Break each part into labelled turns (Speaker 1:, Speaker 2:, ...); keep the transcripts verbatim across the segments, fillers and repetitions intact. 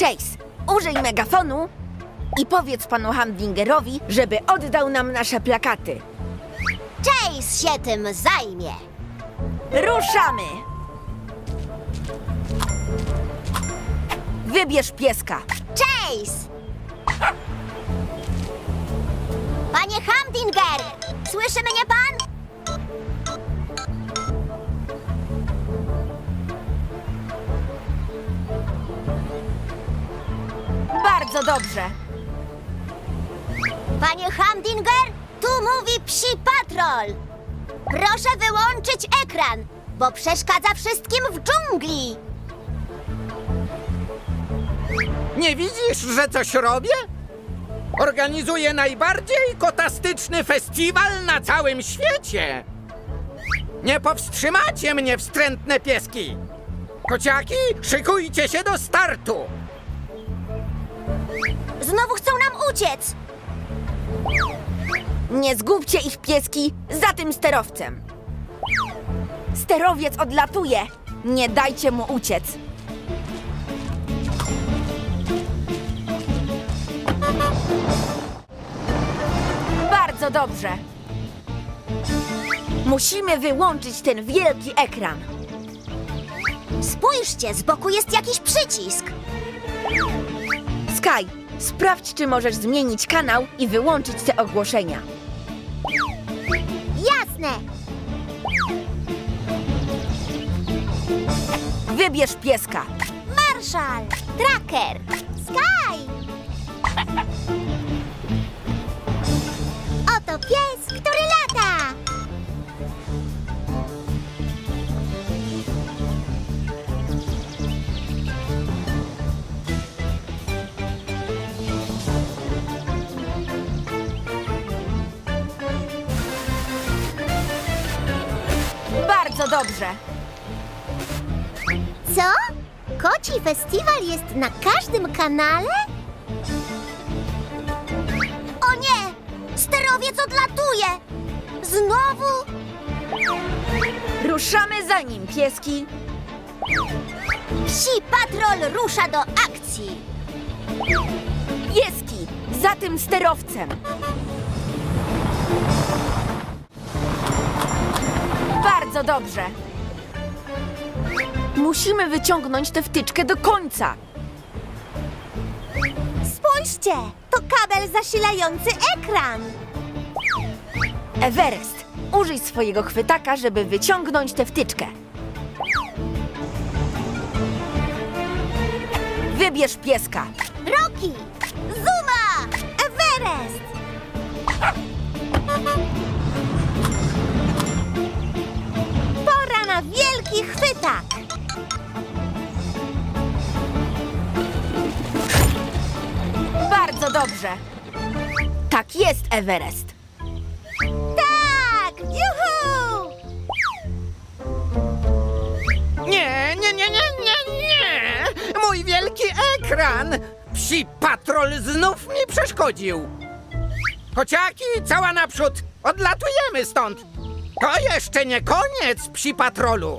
Speaker 1: Chase, użyj megafonu i powiedz panu Hamdingerowi, żeby oddał nam nasze plakaty.
Speaker 2: Chase się tym zajmie.
Speaker 1: Ruszamy! Wybierz pieska.
Speaker 2: Chase! Panie Hamdinger! Słyszy mnie pan?
Speaker 1: Bardzo dobrze.
Speaker 2: Panie Hamdinger, tu mówi Psi Patrol. Proszę wyłączyć ekran, bo przeszkadza wszystkim w dżungli.
Speaker 3: Nie widzisz, że coś robię? Organizuję najbardziej kotastyczny festiwal na całym świecie. Nie powstrzymacie mnie, wstrętne pieski. Kociaki, szykujcie się do startu.
Speaker 2: Znowu chcą nam uciec.
Speaker 1: Nie zgubcie ich, pieski, za tym sterowcem. Sterowiec odlatuje. Nie dajcie mu uciec. Bardzo dobrze. Musimy wyłączyć ten wielki ekran.
Speaker 2: Spójrzcie, z boku jest jakiś przycisk.
Speaker 1: Sky, sprawdź, czy możesz zmienić kanał i wyłączyć te ogłoszenia.
Speaker 2: Jasne.
Speaker 1: Wybierz pieska.
Speaker 2: Marszal, Tracker, Sky. Oto pies, który lata.
Speaker 1: Bardzo dobrze.
Speaker 2: Co? Koci festiwal jest na każdym kanale? O nie! Sterowiec odlatuje! Znowu?
Speaker 1: Ruszamy za nim, pieski.
Speaker 2: Psi Patrol rusza do akcji!
Speaker 1: Pieski, za tym sterowcem. Bardzo dobrze. Musimy wyciągnąć tę wtyczkę do końca.
Speaker 2: Spójrzcie! To kabel zasilający ekran!
Speaker 1: Everest, użyj swojego chwytaka, żeby wyciągnąć tę wtyczkę. Wybierz pieska.
Speaker 2: Rocky! Zuma! Everest! Pora na wielki chwytak!
Speaker 1: Bardzo dobrze. Tak jest, Everest.
Speaker 2: Tak! Juhu!
Speaker 3: Nie, nie, nie, nie, nie, nie! Mój wielki ekran! Psi patrol znów mi przeszkodził. Kociaki, cała naprzód! Odlatujemy stąd! To jeszcze nie koniec, psi patrolu!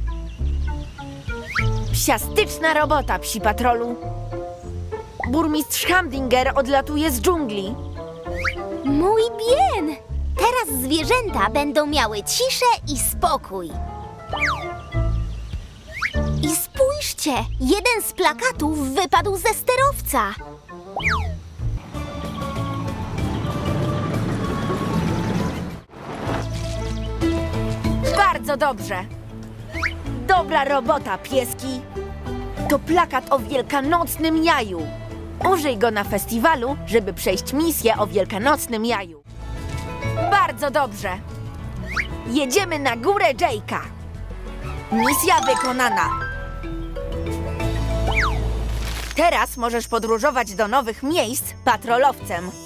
Speaker 1: Psiastyczna robota, psi patrolu. Burmistrz Hamdinger odlatuje z dżungli.
Speaker 2: Mój bien! Teraz zwierzęta będą miały ciszę i spokój. I spójrzcie! Jeden z plakatów wypadł ze sterowca.
Speaker 1: Bardzo dobrze. Dobra robota, pieski. To plakat o wielkanocnym jaju. Użyj go na festiwalu, żeby przejść misję o wielkanocnym jaju. Bardzo dobrze. Jedziemy na górę Jake'a. Misja wykonana. Teraz możesz podróżować do nowych miejsc patrolowcem.